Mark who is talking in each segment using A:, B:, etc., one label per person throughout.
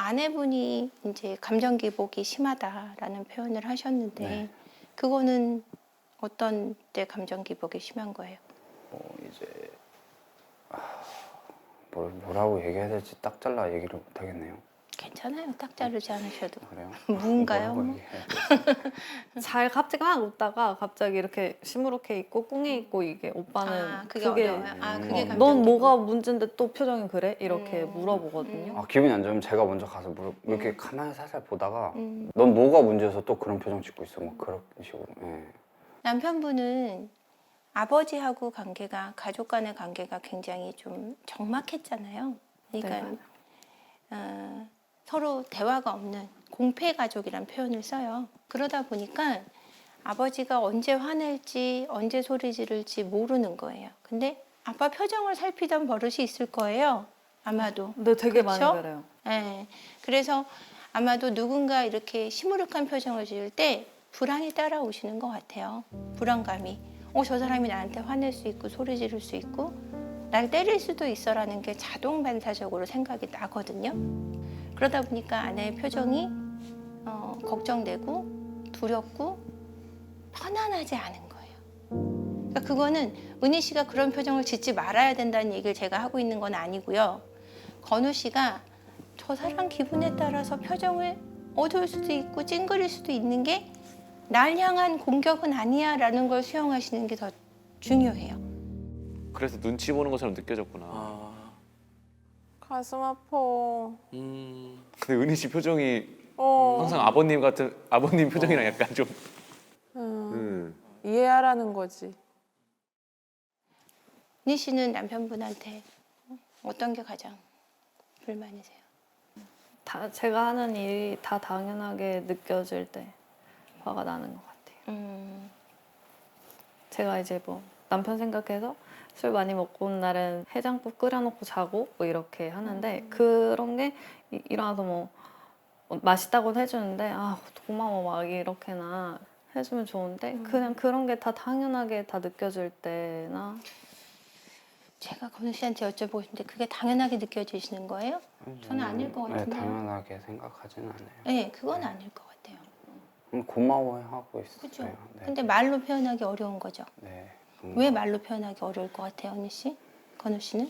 A: 아내분이 이제 감정 기복이 심하다라는 표현을 하셨는데
B: 네.
A: 그거는 어떤 때 감정 기복이 심한 거예요?
B: 이제 뭐라고 얘기해야 될지 딱 잘라 얘기를 못 하겠네요.
A: 괜찮아요. 딱 자르지 않으셔도.
B: 그래요?
A: 무인가요?
B: 뭐라고
A: 뭐?
B: 얘기해야 될지.
C: 잘 갑자기 막 웃다가 갑자기 이렇게 시무룩해 있고 꿍해 있고 이게 오빠는
A: 아, 그게 어려워요. 아, 그게 감정
C: 넌
A: 기복.
C: 뭐가 문제인데 또 표정이 그래? 이렇게
A: 음.
C: 물어보거든요.
B: 기분이 안 좋으면 제가 먼저 가서 이렇게 가만히 살살 보다가
A: 음.
B: 넌 뭐가 문제여서 또 그런 표정 짓고 있어. 뭐 그런 식으로. 예.
A: 남편분은 아버지하고 관계가 가족 간의 관계가 굉장히 좀 적막했잖아요. 그러니까
C: 네.
A: 서로 대화가 없는 공패 가족이란 표현을 써요. 그러다 보니까 아버지가 언제 화낼지 언제 소리 지를지 모르는 거예요. 근데 아빠 표정을 살피던 버릇이 있을 거예요. 아마도.
C: 근데 되게
A: 그쵸?
C: 많이 그래요.
A: 네. 그래서 아마도 누군가 이렇게 시무룩한 표정을 지을 때 불안이 따라오시는 것 같아요. 불안감이. 저 사람이 나한테 화낼 수 있고 소리 지를 수 있고 날 때릴 수도 있어라는 게 자동 반사적으로 생각이 나거든요. 그러다 보니까 아내의 표정이 걱정되고 두렵고 편안하지 않은 거예요. 그러니까 그거는 은희 씨가 그런 표정을 짓지 말아야 된다는 얘기를 제가 하고 있는 건 아니고요. 건우 씨가 저 사람 기분에 따라서 표정을 어두울 수도 있고 찡그릴 수도 있는 게 날 향한 공격은 아니야 라는 걸 수용하시는 게 더 중요해요.
D: 그래서 눈치 보는 것처럼 느껴졌구나.
E: 가슴 아파.
D: 근데 은희 씨 표정이
E: 어.
D: 항상 아버님 표정이랑 약간 좀.
E: 이해하라는 거지.
A: 은희 씨는 남편분한테 어떤 게 가장 불만이세요?
C: 다 제가 하는 일이 다 당연하게 느껴질 때 화가 나는 것 같아요. 제가 이제 뭐 남편 생각해서 술 많이 먹고 온 날은 해장국 끓여놓고 자고 뭐 이렇게 하는데 그런 게 일어나서 뭐 맛있다고 해주는데 아 고마워 막 이렇게나 해주면 좋은데 그냥 그런 게 다 당연하게 다 느껴질 때나
A: 제가 건우 씨한테 여쭤보는데 그게 당연하게 느껴지시는 거예요? 저는 아닐 것
B: 네,
A: 같은데요.
B: 당연하게 생각하지는 않아요.
A: 네, 그건 아닐 것 같아요.
B: 고마워하고 있어요.
A: 그죠?
B: 네.
A: 근데 말로 표현하기 어려운 거죠.
B: 네.
A: 왜 말로 표현하기 어려울 것 같아요, 언니 씨? 건우 씨는?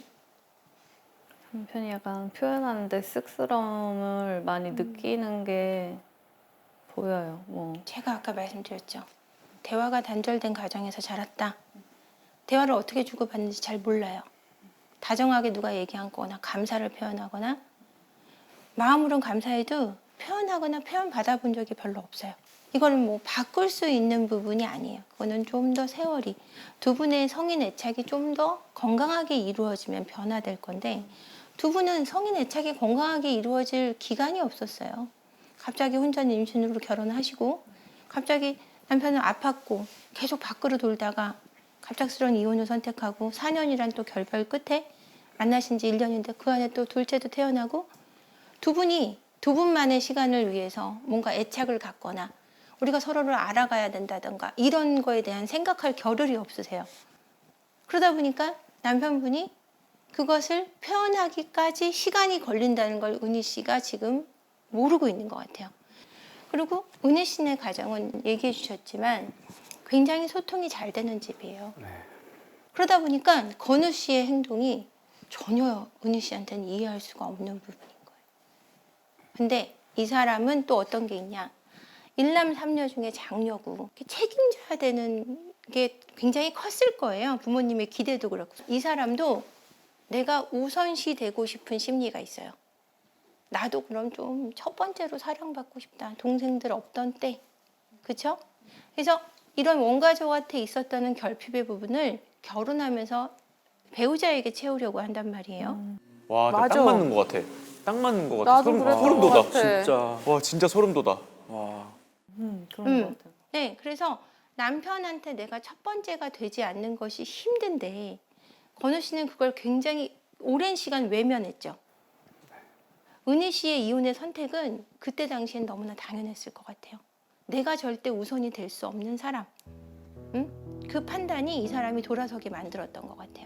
C: 남편이 약간 표현하는데 쑥스러움을 많이 느끼는 게 보여요. 뭐
A: 제가 아까 말씀드렸죠. 대화가 단절된 가정에서 자랐다. 대화를 어떻게 주고받는지 잘 몰라요. 다정하게 누가 얘기하거나 감사를 표현하거나 마음으론 감사해도 표현하거나 표현 받아본 적이 별로 없어요. 이거는 뭐 바꿀 수 있는 부분이 아니에요. 그거는 좀 더 세월이 두 분의 성인 애착이 좀 더 건강하게 이루어지면 변화될 건데 두 분은 성인 애착이 건강하게 이루어질 기간이 없었어요. 갑자기 혼자 임신으로 결혼하시고 갑자기 남편은 아팠고 계속 밖으로 돌다가 갑작스러운 이혼을 선택하고 4년이란 또 결별 끝에 만나신 지 1년인데 그 안에 또 둘째도 태어나고 두 분만의 시간을 위해서 뭔가 애착을 갖거나 우리가 서로를 알아가야 된다던가 이런 거에 대한 생각할 겨를이 없으세요. 그러다 보니까 남편분이 그것을 표현하기까지 시간이 걸린다는 걸 은희 씨가 지금 모르고 있는 것 같아요. 그리고 은희 씨네 가정은 얘기해 주셨지만 굉장히 소통이 잘 되는 집이에요.
B: 네.
A: 그러다 보니까 건우 씨의 행동이 전혀 은희 씨한테는 이해할 수가 없는 부분인 거예요. 근데 이 사람은 또 어떤 게 있냐. 일남 삼녀 중에 장녀고 책임져야 되는 게 굉장히 컸을 거예요. 부모님의 기대도 그렇고. 이 사람도 내가 우선시 되고 싶은 심리가 있어요. 나도 그럼 좀 첫 번째로 사랑받고 싶다. 동생들 없던 때. 그렇죠? 그래서 이런 원가족한테 있었다는 결핍의 부분을 결혼하면서 배우자에게 채우려고 한단 말이에요.
D: 와, 딱
E: 맞아.
D: 맞는 것 같아. 딱 맞는 것 같아.
E: 나도
D: 소름,
E: 그랬던
D: 소름
E: 것
D: 돋아.
E: 같아.
D: 진짜. 와, 진짜 소름 돋아. 와.
C: 그런 것 같아요.
A: 네, 그래서 남편한테 내가 첫 번째가 되지 않는 것이 힘든데 건우 씨는 그걸 굉장히 오랜 시간 외면했죠. 은희 씨의 이혼의 선택은 그때 당시엔 너무나 당연했을 것 같아요. 내가 절대 우선이 될 수 없는 사람. 그 판단이 이 사람이 돌아서게 만들었던 것 같아요.